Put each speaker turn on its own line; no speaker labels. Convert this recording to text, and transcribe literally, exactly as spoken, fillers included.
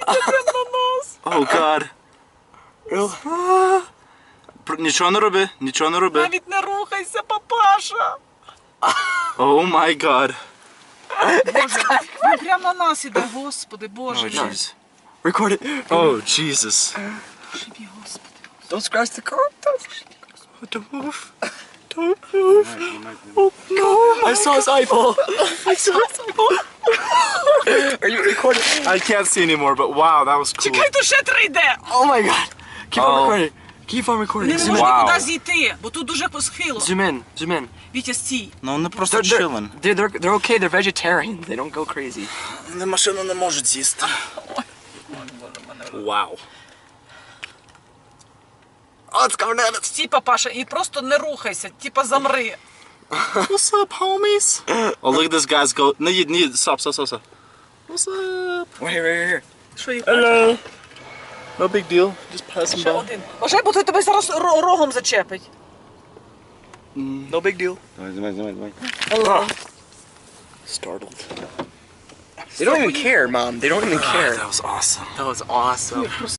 Oh God.
Real?
Нічого не роби, нічого не роби.
Навіть не рухайся, папаша.
Oh my God.
Боже, він прямо на нас іде, Господи, Боже.
Oh jeez.
Record it.
Oh Jesus.
Живі, Господи.
Don't scratch the car.
Don't move. Don't move.
Oh no! I saw his eyeball. I saw his eyeball. Are you recording?
I can't see anymore, but wow, that was cool.
Чекай, то ще три йде.
Oh my God! Keep
Oh.
on recording. Keep on recording.
Не
Zoom in.
можна
Вау.
нікуди зійти, бо тут дуже по схилу.
Zoom in. Zoom in.
Вітя, стій.
Ну вони просто
They're, they're,
chilling.
they're, they're, they're okay. They're vegetarian. They don't go crazy.
Вони машину не можуть з'їсти. Вау.
Oh, it's coming at us.
Стій, папаша, і просто не рухайся, типа замри.
What's up, homies? Oh, look at this guy's go. No, you need stop, stop, stop, stop. What's up?
Wait, here, right here.
Що їх?
Hello. No big deal. Just passing
Ще
by.
один. Бажай, бо той тебе зараз ро- рогом зачепить.
No big deal.
Давай, давай, давай, давай.
Hello.
Startled.
They don't even care, Mom. They don't even care.
That was awesome.
That was awesome.